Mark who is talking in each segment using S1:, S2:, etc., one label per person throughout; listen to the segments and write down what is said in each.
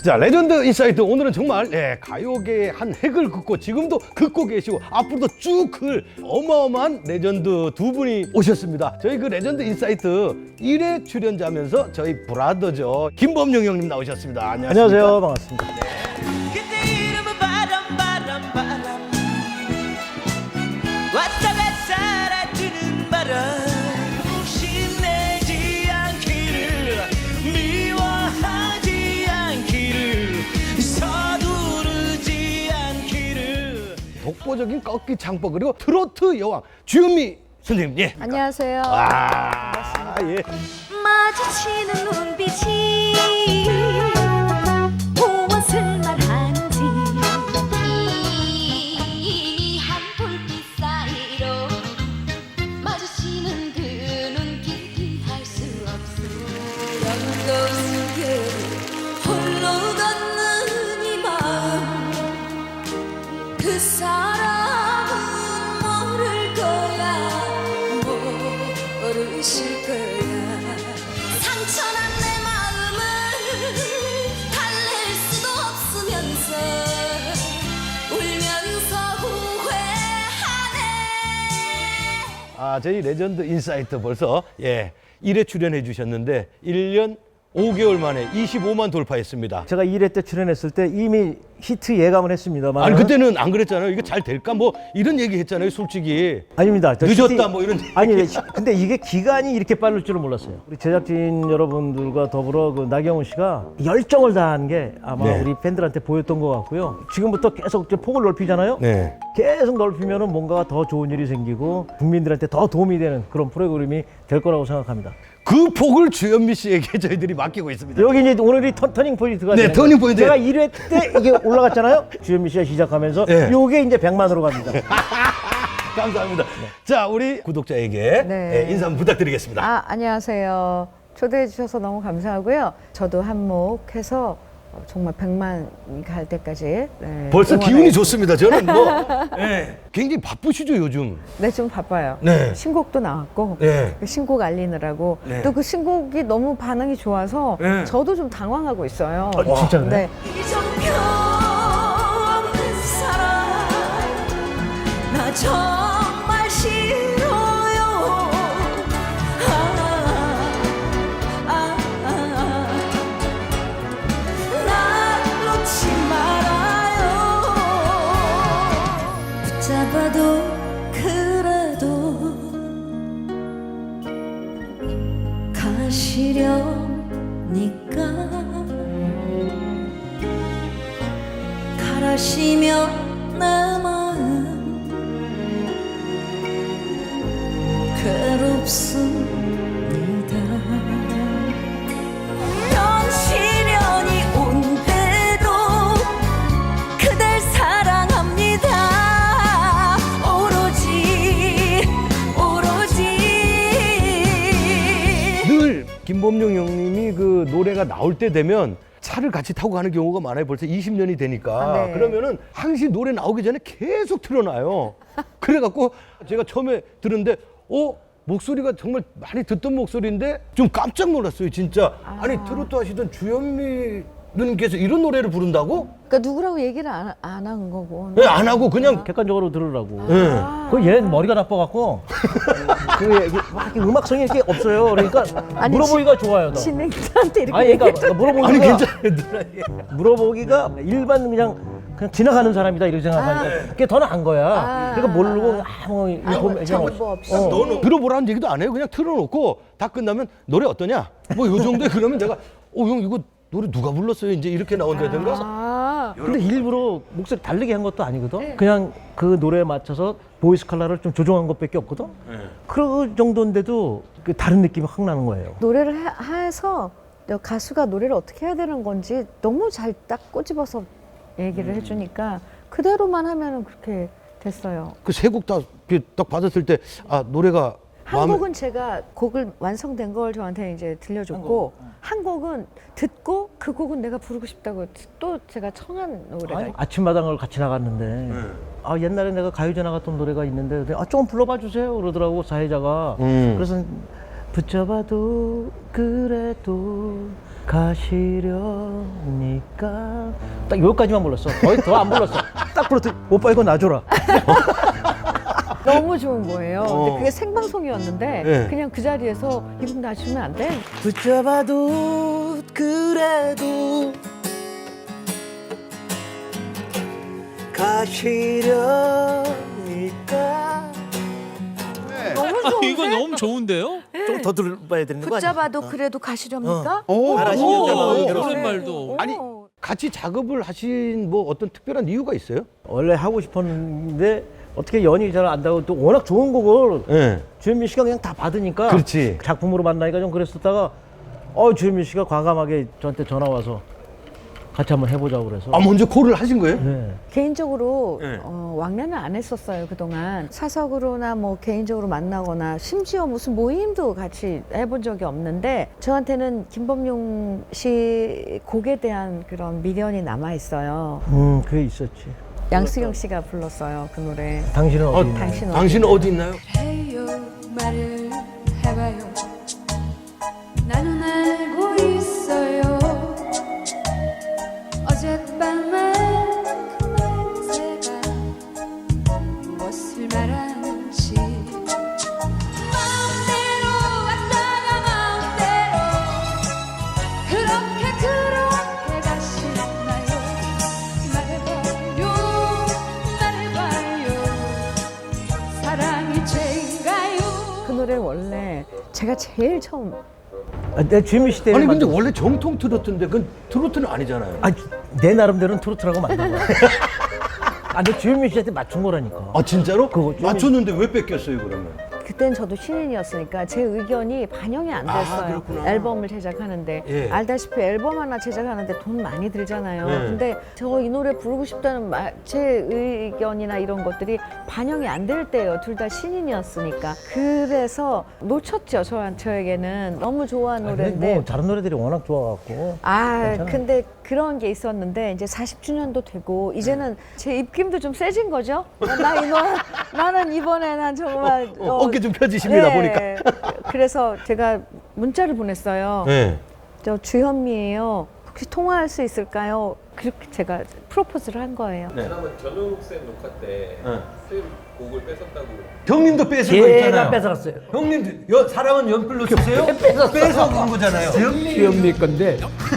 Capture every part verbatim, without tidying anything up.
S1: 자, 레전드 인사이트 오늘은 정말 예, 가요계의 한 획을 긋고 지금도 긋고 계시고 앞으로도 쭉 클 어마어마한 레전드 두 분이 오셨습니다. 저희 그 레전드 인사이트 일 회 출연자면서 저희 브라더죠. 김범용 형님 나오셨습니다. 안녕하십니까?
S2: 안녕하세요. 반갑습니다.
S3: 그때 이름은 바람 바람 바람 왔다 갔다 사라지는 바람 신내지 않기를 미워하지 않기를 서두르지 않기를
S1: 독보적인 꺾기 창법 그리고 트로트 여왕 주현미 선생님. 예.
S4: 안녕하세요.
S1: 아, 예.
S4: 마주치는 눈빛이 무엇을 말하는지
S5: 희미한 불빛 사이로 마주치는 그 눈길이 알 수 없어
S4: 영도 속에 홀로 걷는 이 마음 그 사람은 모를 거야 모르실 거야
S5: 상처난 내 마음을 달랠 수도 없으면서 울면서 후회하네
S1: 아, 저희 레전드 인사이트 벌써 예, 일 회 출연해 주셨는데 일 년 오 개월 만에 이십오만 돌파했습니다.
S2: 제가 일 회 때 출연했을 때 이미 히트 예감을 했습니다만
S1: 아니 그때는 안 그랬잖아요. 이거 잘 될까 뭐 이런 얘기 했잖아요. 솔직히
S2: 아닙니다. 저
S1: 늦었다
S2: 히트-
S1: 뭐 이런
S2: 아니 근데 이게 기간이 이렇게 빠를 줄은 몰랐어요. 우리 제작진 여러분들과 더불어 그 나경원 씨가 열정을 다한 게 아마
S1: 네.
S2: 우리 팬들한테 보였던 것 같고요. 지금부터 계속 이제 폭을 넓히잖아요.
S1: 네.
S2: 계속 넓히면은 뭔가 더 좋은 일이 생기고 국민들한테 더 도움이 되는 그런 프로그램이 될 거라고 생각합니다.
S1: 그 폭을 주현미 씨에게 저희들이 맡기고 있습니다.
S2: 여기 이제 오늘이 터, 터닝 포인트가
S1: 네,
S2: 되는
S1: 터닝
S2: 거예요.
S1: 포인트.
S2: 제가 일 회 때 이게 올라갔잖아요. 주현미 씨가 시작하면서
S1: 네.
S2: 요게 이제 백만으로 갑니다.
S1: 감사합니다. 자, 우리 구독자에게
S4: 네.
S1: 예, 인사 한번 부탁드리겠습니다.
S4: 아, 안녕하세요. 초대해 주셔서 너무 감사하고요. 저도 한몫해서 정말 백만이 갈 때까지 네,
S1: 벌써 기운이
S4: 응원하겠습니다.
S1: 좋습니다. 저는 뭐 예, 굉장히 바쁘시죠 요즘.
S4: 네, 좀 바빠요.
S1: 네.
S4: 신곡도 나왔고
S1: 네.
S4: 그 신곡 알리느라고
S1: 네.
S4: 또 그 신곡이 너무 반응이 좋아서
S1: 네.
S4: 저도 좀 당황하고 있어요.
S2: 아, 진짜 그래요?
S4: 네.
S5: 이정표 없는 사람 나 정말 싫어요 아, 아, 아. 날 놓지 말아요 붙잡아도 그래도 가시려니까 가라시면 내 마음 괴롭습니다 넌 시련이 온대도 그댈 사랑합니다 오로지 오로지
S1: 늘 김범용 형님이 그 노래가 나올 때 되면 차를 같이 타고 가는 경우가 많아요. 벌써 이십 년이 되니까.
S4: 아, 네.
S1: 그러면은 항시 노래 나오기 전에 계속 틀어놔요. 그래갖고 제가 처음에 들은데 어? 목소리가 정말 많이 듣던 목소리인데 좀 깜짝 놀랐어요. 진짜.
S4: 아.
S1: 아니 트로트 하시던 주현미 누님께서 이런 노래를 부른다고?
S4: 그러니까 누구라고 얘기를 안 한 거고.
S1: 왜 안 하고 그냥
S2: 객관적으로 들으라고.
S1: 예.
S2: 그 얘는 머리가 나빠갖고 그 이게 막 이렇게 음악성이 이렇게 없어요. 그러니까
S4: 아니,
S2: 물어보기가 좋아요. 너.
S4: 진행자한테 이렇게
S2: 아니 그러니까
S1: 아니
S2: 물어보기가
S1: 괜찮아요. 누나. 예.
S2: 물어보기가 일반 그냥 그냥 지나가는 사람이다 이렇게 생각하니까 그게 더 나은 거야.
S4: 아.
S2: 그러니까 모르고 아무 이거 보면 그냥
S4: 정보 없이.
S2: 어.
S1: 너는 들어보라는 얘기도 안 해요. 그냥 틀어놓고 다 끝나면 노래 어떠냐? 뭐 요 정도에 그러면 내가 어 형 이거 노래 누가 불렀어요? 이제 이렇게 나온다든가.
S4: 아,
S2: 근데 일부러 목소리 다르게 한 것도 아니거든. 그냥 그 노래에 맞춰서 보이스 컬러를 좀 조정한 것밖에 없거든. 그 정도인데도 그 다른 느낌이 확 나는 거예요.
S4: 노래를 해, 해서 가수가 노래를 어떻게 해야 되는 건지 너무 잘 딱 꼬집어서 얘기를 해주니까 그대로만 하면은 그렇게 됐어요.
S1: 그 세 곡 다 딱 받았을 때 아 노래가
S4: 한
S1: 마음에-
S4: 곡은 제가 곡을 완성된 걸 저한테 이제 들려줬고 한 곡은 듣고 그 곡은 내가 부르고 싶다고 또 제가 청한 노래가
S2: 아니, 아침마당을 같이 나갔는데 아 옛날에 내가 가요제 나갔던 노래가 있는데 아 조금 불러봐 주세요 그러더라고 사회자가.
S1: 음.
S2: 그래서 붙잡아도 그래도 가시려니까 딱 여기까지만 불렀어. 거의 더 안 불렀어. 딱 불렀더니 오빠 이거 놔줘라.
S4: 너무 좋은 거예요.
S1: 어.
S4: 근데 그게 생방송이었는데
S1: 네.
S4: 그냥 그 자리에서 이분 놔주면 안 돼?
S3: 붙잡아도 그래도 가시려니까.
S4: 너무
S6: 아,
S4: 좋은데?
S6: 이거 너무 좋은데요?
S3: 좀 더 들어봐야 되는 거 아니야?
S4: 붙잡아도 그래도 가시렵니까?
S1: 오,
S3: 잘하시네요.
S1: 오,
S3: 오,
S1: 그런
S6: 그런 말도.
S1: 아니 같이 작업을 하신 뭐 어떤 특별한 이유가 있어요?
S2: 원래 하고 싶었는데 어떻게 연이 잘 안 닿고 또 워낙 좋은 곡을
S1: 네.
S2: 주현민 씨가 그냥 다 받으니까
S1: 그렇지.
S2: 작품으로 만나니까 좀 그랬었다가 어 주현민 씨가 과감하게 저한테 전화 와서 같이 한번 해보자고 그래서
S1: 아 먼저 콜을 하신 거예요?
S2: 네.
S4: 개인적으로
S1: 네.
S4: 어, 왕래는 안 했었어요 그동안. 사석으로나 뭐 개인적으로 만나거나 심지어 무슨 모임도 같이 해본 적이 없는데 저한테는 김범용 씨 곡에 대한 그런 미련이 남아 있어요.
S2: 음 그게 있었지.
S4: 양수경 씨가 불렀어요 그 노래.
S2: 당신은 어디 있나요?
S4: 당신 어디
S1: 당신은 어디 있나요?
S5: 해요 말을 해봐요 나는 알고 있어요 어젯밤에 그 냄새가 무엇을 말하는지 마음대로 왔다가 마음대로 그렇게 그렇게 가시나요 말해봐요 말해봐요 사랑이 죄인가요
S4: 그 노래를 원래 제가 제일 처음
S2: 아, 내 주현민 씨 때문에
S1: 아니 근데
S2: 만들었어.
S1: 원래 정통 트로트인데 그건 트로트는 아니잖아요.
S2: 아니, 내 나름대로는 트로트라고 만든 거야. 아, 내 주현민 씨한테 맞춘 거라니까.
S1: 아 진짜로?
S2: 그거 좀-
S1: 맞췄는데 왜 뺏겼어요 그러면?
S4: 그땐 저도 신인이었으니까 제 의견이 반영이 안
S1: 아,
S4: 됐어요.
S1: 그렇구나.
S4: 앨범을 제작하는데
S1: 예.
S4: 알다시피 앨범 하나 제작하는데 돈 많이 들잖아요.
S1: 예.
S4: 근데 저 이 노래 부르고 싶다는 마- 제 의견이나 이런 것들이 반영이 안 될 때예요. 둘 다 신인이었으니까. 그래서 놓쳤죠. 저, 저에게는 너무 좋아하는
S2: 아니, 근데
S4: 노래인데.
S2: 뭐 다른 노래들이 워낙 좋아갖고.
S4: 아,
S2: 괜찮아.
S4: 근데 그런 게 있었는데 이제 사십 주년도 되고 이제는 제 입김도 좀 세진 거죠. 나 이 노래 나는 이번에 난 정말
S1: 어, 어깨 좀 펴지십니다
S4: 네.
S1: 보니까.
S4: 그래서 제가 문자를 보냈어요.
S1: 네.
S4: 저 주현미예요. 혹시 통화할 수 있을까요? 그렇게 제가 프로포즈를 한 거예요.
S7: 지난번 전우욱 쌤 녹화 때
S1: 네.
S7: 쌤 곡을 뺏었다고.
S1: 형님도 뺏은 거
S2: 제가
S1: 있잖아요.
S2: 뺏어갔어요.
S1: 형님도 여, 사랑은 연필로 쓰세요?
S2: 뺏었어.
S1: 뺏어간 거잖아요.
S2: 주현미 건데.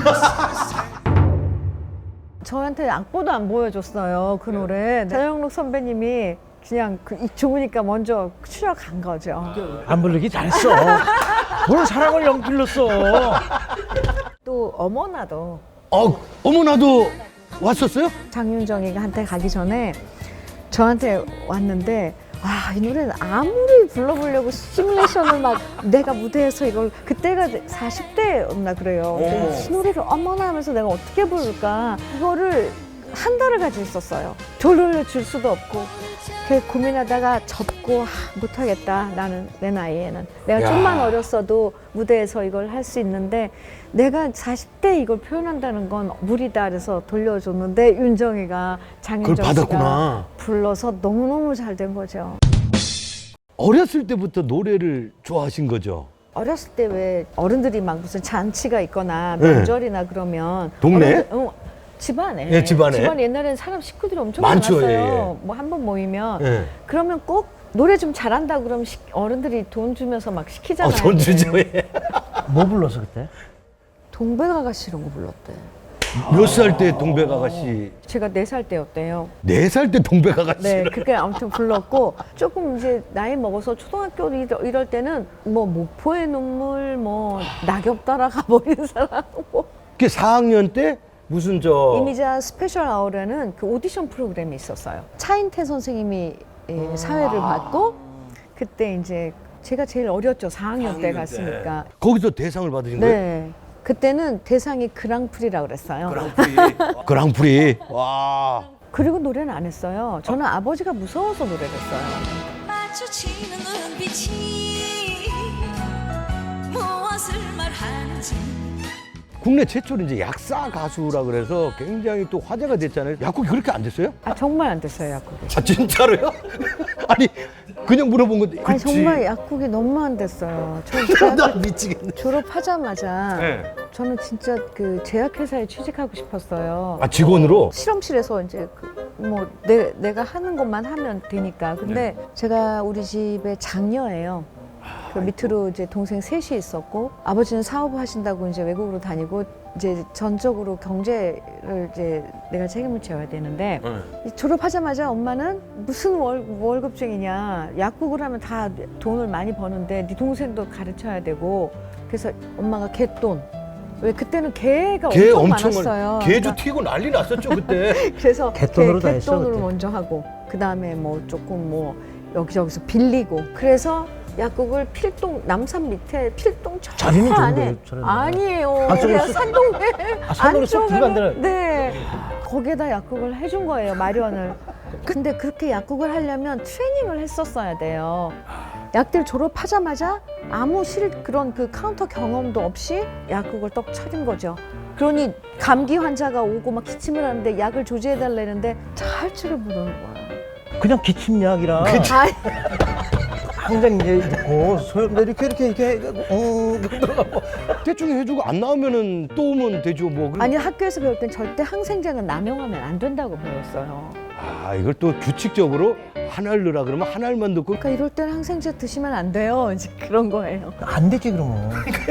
S4: 저한테 악보도 안 보여줬어요. 그 노래. 전영록 선배님이 그냥 그, 이- 좋으니까 먼저 출연한 거죠.
S2: 안 부르기 잘했어. 뭘 사랑을 연필로 써.
S4: 또 어머나도
S1: 어, 어머나도 왔었어요?
S4: 장윤정이가 한테 가기 전에 저한테 왔는데 아, 이 노래는 아무리 불러보려고 시뮬레이션을 막 내가 무대에서 이걸 그때가 사십 대였나 그래요. 이 노래를 어머나 하면서 내가 어떻게 부를까 이거를 한 달을 가지고 있었어요. 돌려줄 수도 없고 그래서 고민하다가 접고 아, 못하겠다. 나는 내 나이에는 내가
S1: 야.
S4: 좀만 어렸어도 무대에서 이걸 할 수 있는데 내가 사십 대 이걸 표현한다는 건 무리다 그래서 돌려줬는데 윤정이가 장윤정
S1: 그걸 받았구나.
S4: 씨가 불러서 너무너무 잘 된 거죠.
S1: 어렸을 때부터 노래를 좋아하신 거죠?
S4: 어렸을 때 왜 어른들이 막 무슨 잔치가 있거나
S1: 네.
S4: 명절이나 그러면
S1: 동네?
S4: 어른들- 어, 집안에
S1: 예, 집안에.
S4: 집안에 옛날에는 사람 식구들이 엄청
S1: 많죠,
S4: 많았어요.
S1: 예, 예.
S4: 뭐 한 번 모이면
S1: 예.
S4: 그러면 꼭 노래 좀 잘한다 그러면 시- 어른들이 돈 주면서 막
S1: 어,
S4: 시키잖아요.
S1: 돈 주죠. 예.
S2: 뭐 불렀어 그때?
S4: 동백아가씨 이런 거 불렀대.
S1: 몇 살 때 동백아가씨?
S4: 제가 네 살 때였대요.
S1: 네 살 때 동백아가씨.
S4: 네, 그게 아무튼 불렀고 조금 이제 나이 먹어서 초등학교 이럴, 이럴 때는 뭐 목포의 눈물, 뭐 낙엽 따라가 버린 사람, 뭐
S1: 그 사 학년 때 무슨 저
S4: 이미자 스페셜 아워라는 그 오디션 프로그램이 있었어요. 차인태 선생님이 예, 사회를 받고 그때 이제 제가 제일 어렸죠. 사 학년 때 갔으니까.
S1: 거기서 대상을 받으신 거예요?
S4: 네. 그때는 대상이 그랑프리라고 그랬어요.
S1: 그랑프리. 그랑프리. 와.
S4: 그리고 노래는 안 했어요. 저는 아버지가 무서워서 노래를 했어요.
S5: 마주치는 눈빛이 무엇을 말하는지
S1: 국내 최초로 이제 약사 가수라 그래서 굉장히 또 화제가 됐잖아요. 약국이 그렇게 안 됐어요?
S4: 아 정말 안 됐어요 약국이.
S1: 아 진짜로요? 아니 그냥 물어본 건데.
S4: 아니
S1: 그치.
S4: 정말 약국이 너무 안 됐어요. 저
S1: 나
S4: 대학교
S1: 미치겠네.
S4: 졸업하자마자
S1: 네.
S4: 저는 진짜 그 제약회사에 취직하고 싶었어요.
S1: 아 직원으로?
S4: 실험실에서 이제 그 뭐 내, 내가 하는 것만 하면 되니까. 근데
S1: 네.
S4: 제가 우리 집의 장녀예요. 그 밑으로 이제 동생 셋이 있었고 아버지는 사업을 하신다고 이제 외국으로 다니고 이제 전적으로 경제를 이제 내가 책임을 져야 되는데
S1: 네.
S4: 졸업하자마자 엄마는 무슨 월, 월급쟁이냐 약국을 하면 다 돈을 많이 버는데 네 동생도 가르쳐야 되고 그래서 엄마가 개돈 왜 그때는 개가
S1: 개
S4: 엄청,
S1: 엄청
S4: 많았어요.
S1: 개주
S4: 그러니까
S1: 튀고 난리 났었죠 그때.
S4: 그래서
S2: 갯돈으로
S4: 개,
S2: 다 했어,
S4: 갯돈으로
S2: 그때.
S4: 먼저 하고 그 다음에 뭐 조금 뭐 여기저기서 빌리고 그래서 약국을 필동 남산 밑에 필동 저
S2: 자리는
S4: 안에
S2: 좋은데요, 저런데.
S4: 아니에요.
S2: 안쪽으로
S4: 그냥
S2: 쑥-
S4: 산동네
S2: 아, 산으로 쑥
S4: 안쪽으로-
S2: 들어간다는-
S4: 네 거기에다 약국을 해준 거예요 마련을. 근데 그렇게 약국을 하려면 트레이닝을 했었어야 돼요. 약들 졸업하자마자 아무 실 그런 그 카운터 경험도 없이 약국을 떡 차린 거죠. 그러니 감기 환자가 오고 막 기침을 하는데 약을 조제해 달라는데 다 할 줄을 모르는 거야.
S2: 그냥 기침약이라
S4: 아,
S2: 항상 이제 어, 소염 이렇게 이렇게 이렇게 어, 들어가고
S1: 대충 해주고 안 나오면은 또 오면 되죠 뭐. 그럼-
S4: 아니 학교에서 배울 땐 절대 항생제는 남용하면 안 된다고 배웠어요.
S1: 아 이걸 또 규칙적으로 한 알 넣으라 그러면 한 알만 넣고.
S4: 그러니까 이럴 땐 항생제 드시면 안 돼요. 이제 그런 거예요.
S2: 안 되지 그러면.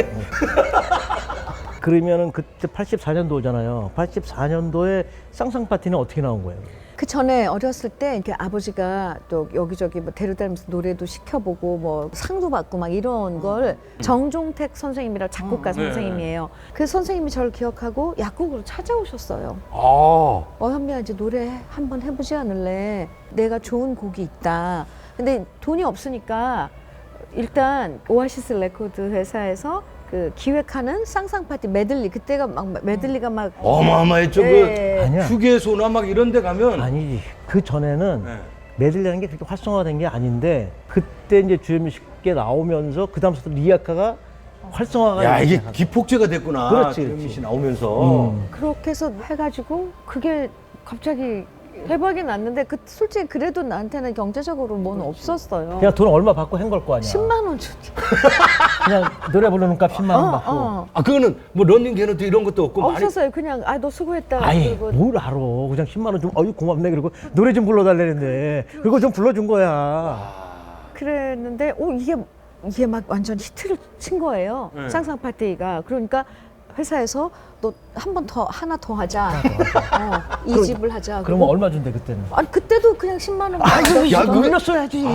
S2: 그러면은 그때 팔십사 년도잖아요. 팔십사 년도에 쌍쌍 파티는 어떻게 나온 거예요?
S4: 그 전에 어렸을 때 이렇게 아버지가 또 여기저기 뭐 데려다니면서 노래도 시켜보고 뭐 상도 받고 막 이런 걸 정종택 선생님이라고 작곡가 선생님이에요. 그 선생님이 저를 기억하고 약국으로 찾아오셨어요.
S1: 아.
S4: 어 현미야 이제 노래 한번 해보지 않을래? 내가 좋은 곡이 있다. 근데 돈이 없으니까 일단 오아시스 레코드 회사에서 그 기획하는 쌍쌍 파티 메들리 그때가 막 메들리가 막
S1: 어마어마했죠.
S4: 네.
S2: 아니야.
S1: 그 휴게소나 막 이런 데 가면.
S2: 아니지. 그 전에는
S1: 네.
S2: 메들리라는 게 그렇게 활성화된 게 아닌데 그때 이제 주현미 씨께 나오면서 그 다음부터 리아카가 활성화가
S1: 야
S2: 되기
S1: 이게
S2: 시작한
S1: 기폭제가 됐구나.
S2: 그렇지,
S1: 주현미
S2: 그렇지.
S1: 씨 나오면서.
S2: 음.
S4: 그렇게 해서 해가지고 그게 갑자기 대박이 났는데 그 솔직히 그래도 나한테는 경제적으로 뭐는 없었어요.
S2: 그냥 돈 얼마 받고 한 걸 거 아니야.
S4: 십만 원 줬지.
S2: 그냥 노래 부르는 값 십만 원
S4: 어,
S2: 받고.
S4: 어.
S1: 아 그거는 뭐 런닝 개너트 이런 것도 없고 많이.
S4: 없었어요. 그냥 아 너 수고했다.
S2: 아예
S4: 그리고
S2: 뭘 알아. 그냥 십만 원 좀 어유 고맙네. 그리고 노래 좀 불러달라는데 그거 좀 불러준 거야.
S4: 그랬는데 오 이게 이게 막 완전 히트를 친 거예요.
S1: 네.
S4: 쌍쌍 파티가. 그러니까 회사에서 너 한 번 더 하나 더 하자. 어, 이
S2: 그럼-
S4: 집을 하자.
S2: 그러면
S4: 그리고-
S2: 얼마 준대 그때는?
S4: 아니 그때도 그냥 십만 원.
S1: 야, 그거-
S2: 올렸어야지.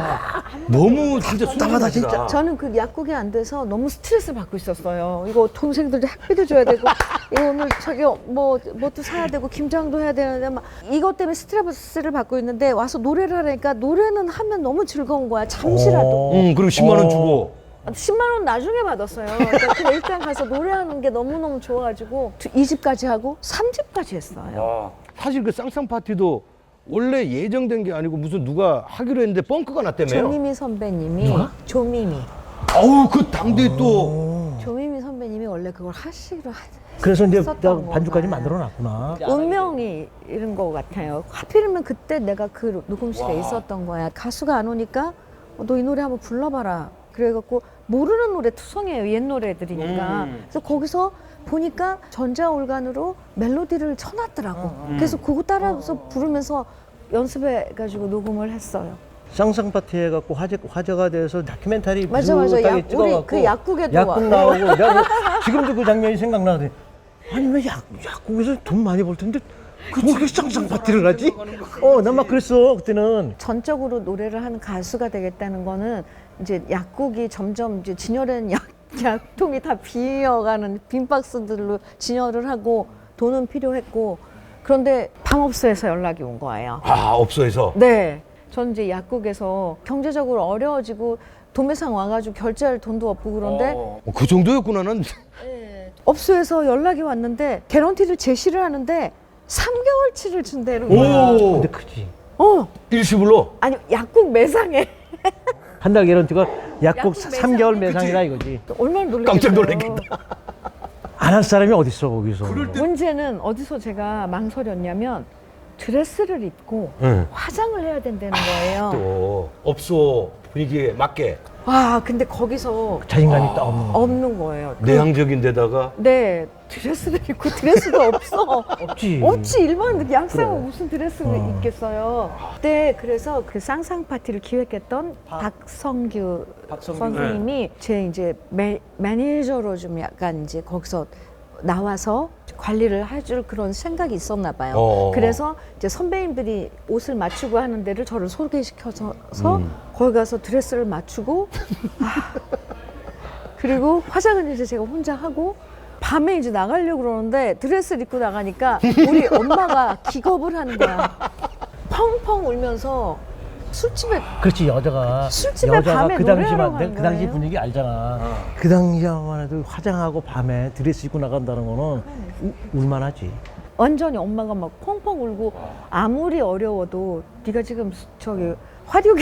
S1: 너무 진짜
S2: 답답하다,
S1: 순진하다
S2: 진짜.
S4: 저는 그 약국이 안 돼서 너무 스트레스를 받고 있었어요. 이거 동생들도 학비도 줘야 되고, 이거 오늘 저기 뭐, 뭐도 사야 되고, 김장도 해야 되는데, 막 이것 때문에 스트레스를 받고 있는데, 와서 노래를 하니까 노래는 하면 너무 즐거운 거야. 잠시라도.
S1: 응 그리고 십만 원
S2: 어.
S1: 주고.
S4: 십만 원 나중에 받았어요. 그러니까 그냥 일단 가서 노래하는 게 너무너무 좋아가지고, 이 집까지 하고, 삼 집까지 했어요.
S1: 사실 그 쌍쌍 파티도 원래 예정된 게 아니고 무슨 누가 하기로 했는데 뻥크가 났다며요.
S4: 조미미 선배님이, 조미미.
S1: 아우 그 당대 또.
S4: 조미미 선배님이 원래 그걸 하시기로 하
S2: 그래서 이제
S4: 했었던
S2: 내가 반주까지
S4: 거가.
S2: 만들어 놨구나.
S4: 운명이 이런 것 같아요. 하필이면 그때 내가 그 녹음실에 있었던 거야. 가수가 안 오니까 어, 너 이 노래 한번 불러봐라. 그래갖고 모르는 노래 투성이에요. 옛 노래들이니까.
S1: 음.
S4: 그래서 거기서 보니까 전자올간으로 멜로디를 쳐놨더라고. 그래서 그거 따라서 부르면서 연습해가지고 녹음을 했어요.
S2: 쌍쌍 파티 해갖고 화제, 화제가 돼서 다큐멘터리
S4: 맞아, 맞아.
S2: 비슷하게
S4: 약-
S2: 찍어갖고
S4: 우리 그 약국에도
S2: 약국
S4: 와.
S2: 나오고 내가 그- 지금도 그 장면이 생각나는데 아니 왜 약, 약국에서 돈 많이 벌 텐데 그렇게 쌍쌍 파티를 하지? 어, 난 막 그랬어 그때는.
S4: 전적으로 노래를 하는 가수가 되겠다는 거는 이제 약국이 점점 이제 진열된 약, 약통이 다 비어가는 빈 박스들로 진열을 하고 돈은 필요했고 그런데 밤업소에서 연락이 온 거예요.
S1: 아 업소에서.
S4: 네. 전 이제 약국에서 경제적으로 어려워지고 도매상 와가지고 결제할 돈도 없고 그런데
S1: 어, 그 정도였구나 난.
S4: 업소에서 연락이 왔는데 개런티를 제시를 하는데 삼 개월치를 준대는 거야.
S1: 오.
S2: 근데 크지.
S4: 어.
S1: 일시불로.
S4: 아니 약국 매상에
S2: 한 달 개런티가 약국
S4: 약국
S2: 삼 개월
S4: 매상.
S2: 매상이라 이거지.
S4: 얼마나 놀랐겠어요.
S1: 깜짝 놀랐겠다.
S2: 안 할 사람이 어딨어 거기서.
S4: 문제는 어디서 제가 망설였냐면 드레스를 입고
S1: 응.
S4: 화장을 해야 된다는 거예요.
S1: 또 업소 분위기에 맞게
S4: 와, 근데 거기서
S2: 자신감이 딱 없는 거.
S4: 없는 거예요. 그-
S1: 내향적인 데다가
S4: 네, 드레스를 입고 드레스도 없어.
S2: 없지.
S4: 없지, 일반 양상은
S2: 그래.
S4: 무슨 드레스를
S2: 어.
S4: 입겠어요. 그때 그래서 그 쌍쌍 파티를 기획했던 박성규, 선생님이 제 이제 매, 매니저로 좀 약간 이제 거기서 나와서 관리를 해줄 그런 생각이 있었나 봐요.
S1: 어.
S4: 그래서 이제 선배님들이 옷을 맞추고 하는 데를 저를 소개시켜서
S1: 음.
S4: 거기 가서 드레스를 맞추고 아, 그리고 화장은 이제 제가 혼자 하고 밤에 이제 나가려고 그러는데 드레스를 입고 나가니까 우리 엄마가 기겁을 하는 거야. 펑펑 울면서 술집에
S2: 그렇지 여자가
S4: 술집에
S2: 여자가
S4: 밤에
S2: 그
S4: 노래하러
S2: 당시만
S4: 가는
S2: 그 당시
S4: 거예요?
S2: 분위기 알잖아. 그 당시만 해도 화장하고 밤에 드레스 입고 나간다는 거는 우, 울만하지.
S4: 완전히 엄마가 막 펑펑 울고 아무리 어려워도 네가 지금 저기 화류계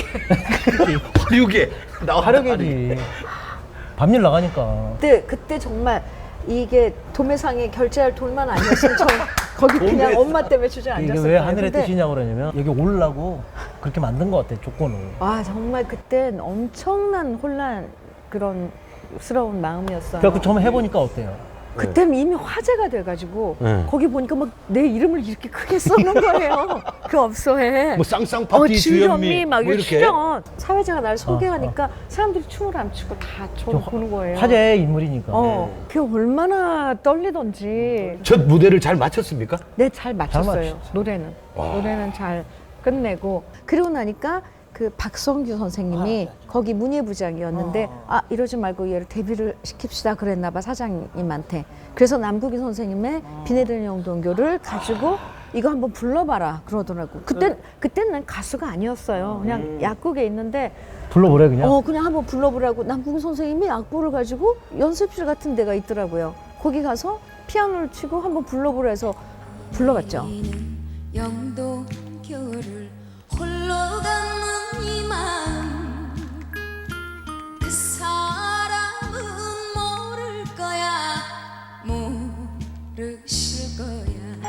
S1: 화류계 나와
S2: 하려겠지. 밤일 나가니까.
S4: 그때 그때 정말 이게 도매상에 결제할 돈만 아니었으면 저 거기 그냥
S1: 도매-
S4: 엄마 때문에 주저앉았을
S2: 이게
S4: 거예요.
S2: 왜 하늘의
S4: 근데
S2: 뜻이냐고 그러냐면 여기 오려고 그렇게 만든 것 같아 조건을.
S4: 와 정말 그땐 엄청난 혼란 그런 스러운 마음이었어요.
S2: 그래갖고 처음 해보니까 어때요?
S4: 그때는 이미 화제가 돼가지고
S1: 네.
S4: 거기 보니까 막 내 이름을 이렇게 크게 써놓은 거예요. 그 업소에.
S1: 뭐 쌍쌍 파티
S4: 어,
S1: 주현미
S4: 주현미 막
S1: 뭐
S4: 이렇게
S1: 이렇게
S4: 출연. 사회자가 날 소개하니까 사람들이 춤을 안 추고 다 저를
S2: 좀
S4: 보는 거예요.
S2: 화제의 인물이니까.
S4: 어, 그게 얼마나 떨리던지.
S1: 첫 무대를 잘 마쳤습니까?
S4: 네, 잘 맞췄어요.
S2: 맞췄지.
S4: 노래는. 노래는 잘 끝내고. 그러고 나니까 그 박성규 선생님이 거기 문예부장이었는데 아 이러지 말고 얘를 데뷔를 시킵시다 그랬나 봐 사장님한테. 그래서 남국이 선생님의 비 내리는 영동교를 가지고 이거 한번 불러봐라 그러더라고. 그때 그때는 난 가수가 아니었어요. 그냥 약국에 있는데
S2: 불러보래 그냥.
S4: 어 그냥 한번 불러보라고 남국이 선생님이 악보를 가지고 연습실 같은 데가 있더라고요. 거기 가서 피아노를 치고 한번 불러보라 해서 불러봤죠.
S5: 영동 겨울을 홀로 가는 이 마음 그 사람은 모를 거야 모르실 거야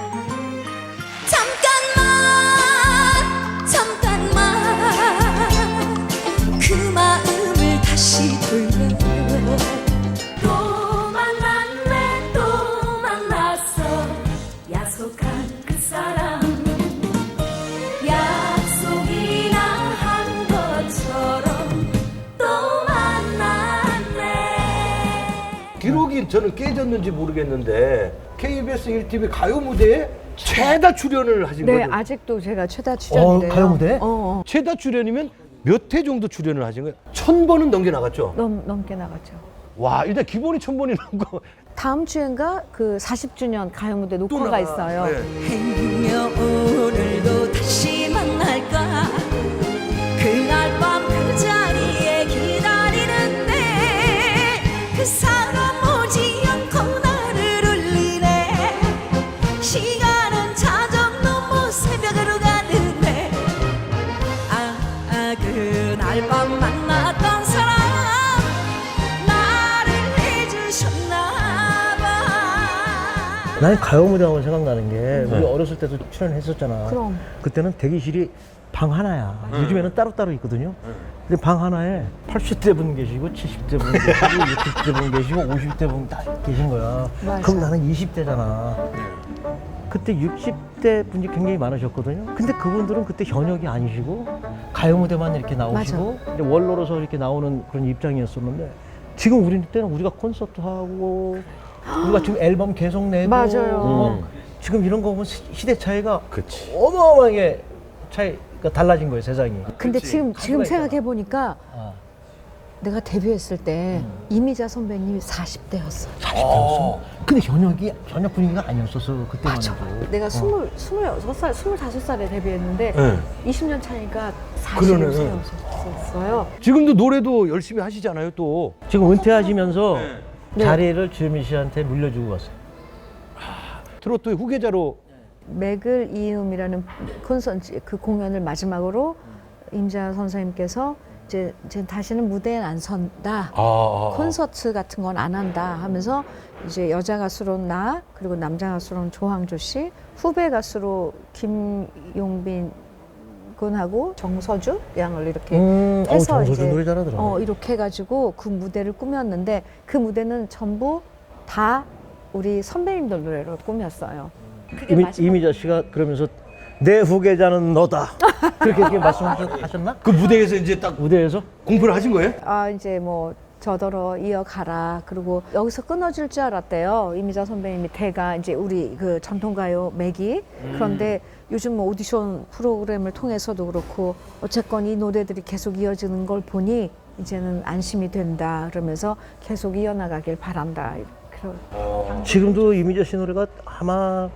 S5: 잠깐만 잠깐만 그 마음을 다시 돌려 또 만났네 또 만났어 약속한 그 사람 약속이나 한 것처럼 또 만났네
S1: 기록이 저는 깨졌는지 모르겠는데 케이비에스 일 티비 가요 무대에 최다 출연을 하신
S4: 네,
S1: 거죠?
S4: 아직도 제가 최다 출연이래요.
S2: 어, 가요 무대?
S4: 어, 어.
S1: 최다 출연이면 몇 회 정도 출연을 하신 거예요? 천 번은 넘게 나갔죠?
S4: 넘, 넘게 나갔죠.
S1: 와 일단 기본이 천 번이 넘고
S4: 다음 주엔가 그 사십 주년 가요 무대 녹화가 있어요.
S1: 네.
S5: 행여 오늘도 다시 만날까 그날 밤 그 자리에 기다리는데 그 사람 오지 않고 나를 울리네 시간은 자정 넘어 새벽으로 가는데 아, 아 그날 밤 만났던 사람 나를 해주셨나 봐
S2: 나는 가요 무대 하면 생각나는 게 우리 어렸을 때도 출연했었잖아.
S4: 그럼.
S2: 그때는 대기실이 방 하나야. 요즘에는 따로따로 있거든요. 근데 방 하나에 팔십 대 분 계시고 칠십 대 분 계시고 육십 대 분 계시고 오십 대 분 다 계신 거야.
S4: 맞아.
S2: 그럼 나는 이십 대잖아. 그때 육십 대 분이 굉장히 많으셨거든요. 근데 그분들은 그때 현역이 아니시고 가요 무대만 이렇게 나오시고 이제 원로로서 이렇게 나오는 그런 입장이었었는데 지금 우리 때는 우리가 콘서트 하고 우리가 지금 앨범 계속 내고
S4: 맞아요.
S2: 어, 지금 이런 거 보면 시- 시대 차이가
S1: 그치.
S2: 어마어마하게 차이가 달라진 거예요 세상이.
S4: 근데 지금 지금
S2: 가수가
S4: 생각해 보니까
S2: 아,
S4: 내가 데뷔했을 때 이미자 선배님이 사십 대였어.
S2: 사십 대였어. 근데 현역이 현역 분위기가 아니었었어 그때만
S4: 맞아.
S2: 해도.
S4: 내가 스물 스물여섯 살, 스물다섯 살에 데뷔했는데
S1: 네.
S4: 이십 년 차니까
S1: 그러네.
S4: 사십오 세였어요.
S1: 지금도 노래도 열심히 하시잖아요 또.
S2: 지금 은퇴하시면서
S4: 네.
S2: 자리를 주현미 씨한테 물려주고 갔어요.
S1: 트로트의 후계자로
S4: 맥을 이음이라는 콘서트 그 공연을 마지막으로 임자 선생님께서 이제, 이제 다시는 무대에 안 선다.
S1: 아, 아, 아.
S4: 콘서트 같은 건 안 한다 하면서 이제 여자 가수로 나 그리고 남자 가수로는 조항조 씨, 후배 가수로 김용빈 군하고 정서주 양을 이렇게
S2: 음, 어우,
S4: 해서
S2: 정서주
S4: 이제
S2: 노래 잘하더라.
S4: 어, 이렇게 해가지고 그 무대를 꾸몄는데 그 무대는 전부 다 우리 선배님들 노래로 꾸몄어요. 그게
S2: 이미,
S4: 마지막-
S2: 이미자 씨가 그러면서 내 후계자는 너다. 그렇게, 그렇게 말씀하셨나?
S1: 그 무대에서 이제 딱
S2: 무대에서?
S1: 공포를 하신 거예요?
S4: 아 이제 뭐 저더러 이어가라. 그리고 여기서 끊어질 줄 알았대요. 이미자 선배님이 대가 이제 우리 그 전통가요 매기. 그런데 요즘 뭐 오디션 프로그램을 통해서도 그렇고 어쨌건 이 노래들이 계속 이어지는 걸 보니 이제는 안심이 된다. 그러면서 계속 이어나가길 바란다. 그런
S2: 지금도 이미자 씨 노래가 아마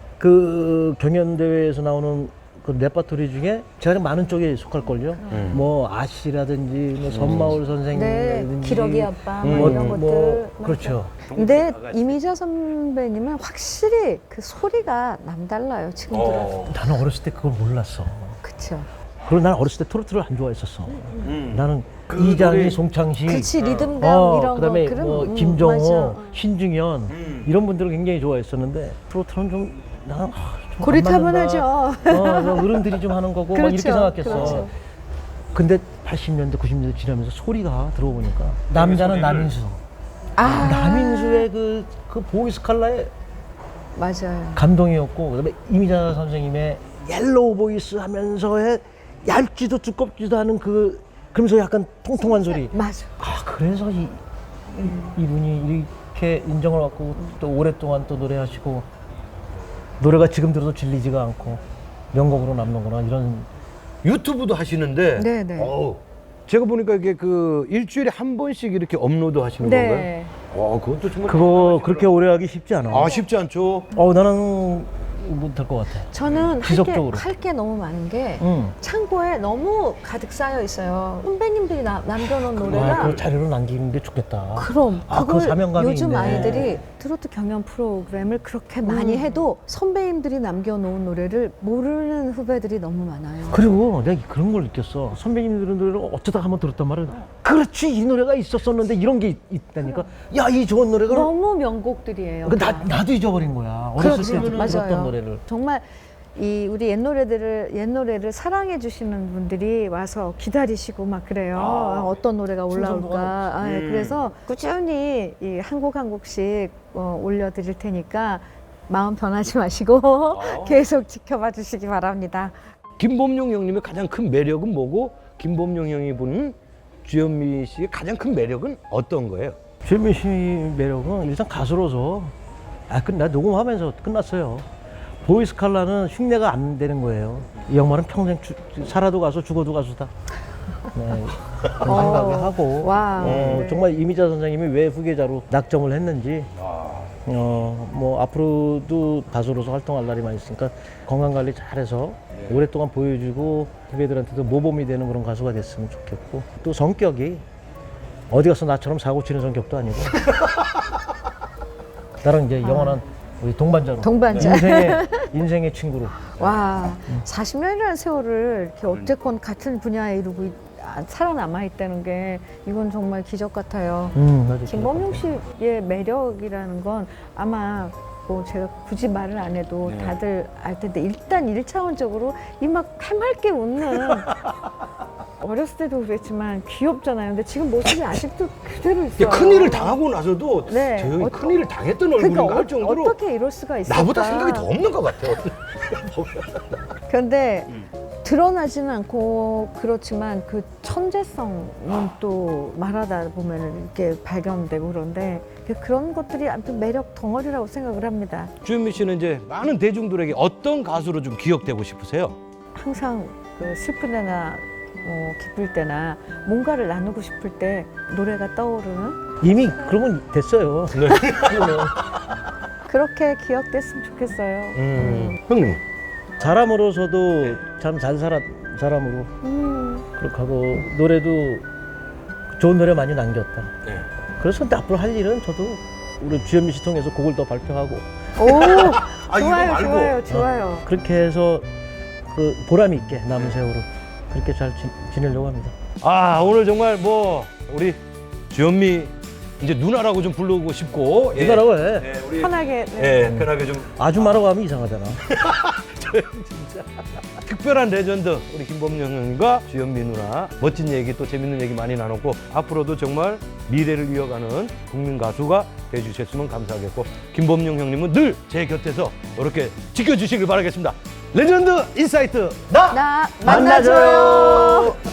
S2: 그 경연대회에서 나오는 그 레퍼토리 중에 제가 많은 쪽에 속할걸요.
S1: 음.
S2: 뭐 아씨라든지 뭐 선마을
S4: 네,
S2: 선생님이라든지
S4: 기러기 아빠 뭐
S2: 뭐,
S4: 이런 것들.
S2: 뭐
S4: 맞아요.
S2: 그렇죠.
S4: 근데 이미자 선배님은 확실히 그 소리가 남달라요. 지금 들어도.
S1: 어.
S2: 나는 어렸을 때 그걸 몰랐어.
S4: 그쵸.
S2: 그리고 나는 어렸을 때 트로트를 안 좋아했었어.
S1: 음.
S2: 나는
S1: 그
S2: 이장희,
S1: 노래-
S2: 송창식,
S4: 그렇지 리듬감
S2: 어,
S4: 이런
S2: 그다음에
S4: 거 그런
S2: 뭐
S4: 음,
S2: 김정호,
S4: 맞아.
S2: 신중현
S1: 음.
S2: 이런 분들을 굉장히 좋아했었는데 트로트는 좀 나는 아, 좀안
S4: 고리타분하죠.
S2: 맞는다. 어, 뭐 어른들이 좀 하는 거고 막 이렇게
S4: 그렇죠,
S2: 생각했어.
S4: 그렇죠.
S2: 근데 팔십 년대, 구십 년대 지나면서 소리가 들어보니까 남자는 남인수,
S4: 아
S2: 남인수의 그, 그 보이스 칼라에
S4: 맞아요.
S2: 감동이었고 그다음에 이미자 선생님의 옐로우 보이스 하면서의 얇지도 두껍지도 않은 그 그러면서 약간 통통한 소리.
S4: 맞아.
S2: 아 그래서 이, 이 이분이 이렇게 인정을 받고 또 오랫동안 또 노래하시고 노래가 지금 들어도 질리지가 않고 명곡으로 남는구나 이런.
S1: 유튜브도 하시는데
S4: 네네.
S1: 어우, 제가 보니까 이게 그 일주일에 한 번씩 이렇게 업로드 하시는 건가요?
S4: 네.
S1: 와, 그것도 정말
S2: 그거 그렇게 오래 하기 쉽지 않아.
S1: 아, 쉽지 않죠.
S2: 어 나는 못할 것 같아.
S4: 저는
S2: 지속적으로.
S4: 할 게 너무 많은 게
S2: 응.
S4: 창고에 너무 가득 쌓여 있어요. 선배님들이 나, 남겨놓은 노래가
S2: 아, 그 자료로 남기는 게 좋겠다.
S4: 그럼
S2: 아,
S4: 그걸
S2: 그 사명감이
S4: 요즘
S2: 있네.
S4: 아이들이 트로트 경연 프로그램을 그렇게 많이
S2: 음.
S4: 해도 선배님들이 남겨놓은 노래를 모르는 후배들이 너무 많아요.
S2: 그리고 내가 그런 걸 느꼈어. 선배님들의 노래를 어쩌다 한번 들었단 말이야. 그렇지 이 노래가 있었었는데 이런 게 있, 있다니까. 야 이 좋은 노래가
S4: 너무 명곡들이에요.
S2: 그 나,
S4: 다.
S2: 나도 잊어버린 거야. 어렸을
S4: 그렇지,
S2: 때 들었던
S4: 맞아요.
S2: 노래를.
S4: 정말 이 우리 옛 노래들을 옛 노래를 사랑해 주시는 분들이 와서 기다리시고 막 그래요. 아, 어떤 노래가 올라올까. 아, 예,
S1: 음.
S4: 그래서 꾸준히 이 한 곡 한 곡씩 어, 올려드릴 테니까 마음 변하지 마시고 계속 지켜봐 주시기 바랍니다.
S1: 김범용 형님의 가장 큰 매력은 뭐고 김범용 형이 보는 주현미 씨의 가장 큰 매력은 어떤 거예요?
S2: 주현미 씨 매력은 일단 가수로서 아, 끝나 녹음하면서 끝났어요. 보이스 칼라는 흉내가 안 되는 거예요. 이 양반은 평생 주, 살아도 가수, 죽어도 가수다. 네, 그런
S4: 어,
S2: 생각을 하고
S4: 와,
S2: 어,
S4: 네.
S2: 정말 이미자 선생님이 왜 후계자로 낙점을 했는지 어, 뭐 앞으로도 가수로서 활동할 날이 많이 있으니까 건강 관리 잘해서 오랫동안 보여주고 후배들한테도 모범이 되는 그런 가수가 됐으면 좋겠고 또 성격이 어디 가서 나처럼 사고 치는 성격도 아니고 나랑 이제 영원한 우리 동반자로
S4: 동반자.
S2: 인생의 인생의 친구로
S4: 와, 사십 년이라는 세월을 이렇게 어쨌건 같은 분야에 이루고 있- 아, 살아남아 있다는 게 이건 정말 기적 같아요.
S2: 음, 맞아.
S4: 김범용 씨의 매력이라는 건 아마 뭐 제가 굳이 말을 안 해도 다들 알 텐데 일단 일차원적으로 이 막 해맑게 웃는 어렸을 때도 그랬지만 귀엽잖아요. 근데 지금 모습이 아직도 그대로 있어요.
S1: 큰일을 당하고 나서도
S4: 네.
S1: 저 형이
S4: 어-
S1: 큰일을 당했던 얼굴인가
S4: 그러니까
S1: 할
S4: 어,
S1: 정도로
S4: 어떻게 이럴 수가 있을까?
S1: 나보다 생각이 더 없는 것 같아요.
S4: 그런데 드러나지는 않고 그렇지만 그 천재성은 또 말하다 보면 이렇게 발견되고 그런데 그런 것들이 아무튼 매력 덩어리라고 생각을 합니다.
S1: 주현미 씨는 이제 많은 대중들에게 어떤 가수로 좀 기억되고 싶으세요?
S4: 항상 그 슬픈 때나 어, 기쁠 때나 뭔가를 나누고 싶을 때 노래가 떠오르는
S2: 이미 그러면 됐어요.
S1: 네.
S4: 그렇게 기억됐으면 좋겠어요.
S1: 음. 형님.
S2: 사람으로서도 참 잘 살았 사람으로
S4: 음,
S2: 그렇게 하고 노래도 좋은 노래 많이 남겼다.
S1: 네.
S2: 그래서 근데 앞으로 할 일은 저도 우리 주현미 씨 통해서 곡을 더 발표하고
S4: 오,
S1: 아, 이거
S4: 좋아요,
S1: 말고.
S4: 좋아요, 좋아요.
S2: 그렇게 해서 그 보람 있게 남은 세월을 그렇게 잘 지, 지내려고 합니다.
S1: 아 오늘 정말 뭐 우리 주현미 이제 누나라고 좀 부르고 싶고 예.
S2: 누나라고 해.
S1: 예, 우리
S4: 편하게. 네.
S1: 예, 편하게 좀
S2: 아줌마라고 하면 이상하잖아.
S1: 특별한 레전드 우리 김범용 형님과 주현미 누나 멋진 얘기 또 재밌는 얘기 많이 나눴고 앞으로도 정말 미래를 이어가는 국민 가수가 돼주셨으면 감사하겠고 김범용 형님은 늘 제 곁에서 이렇게 지켜주시길 바라겠습니다. 레전드 인사이트 나,
S4: 나
S2: 만나줘요.
S4: 만나줘요.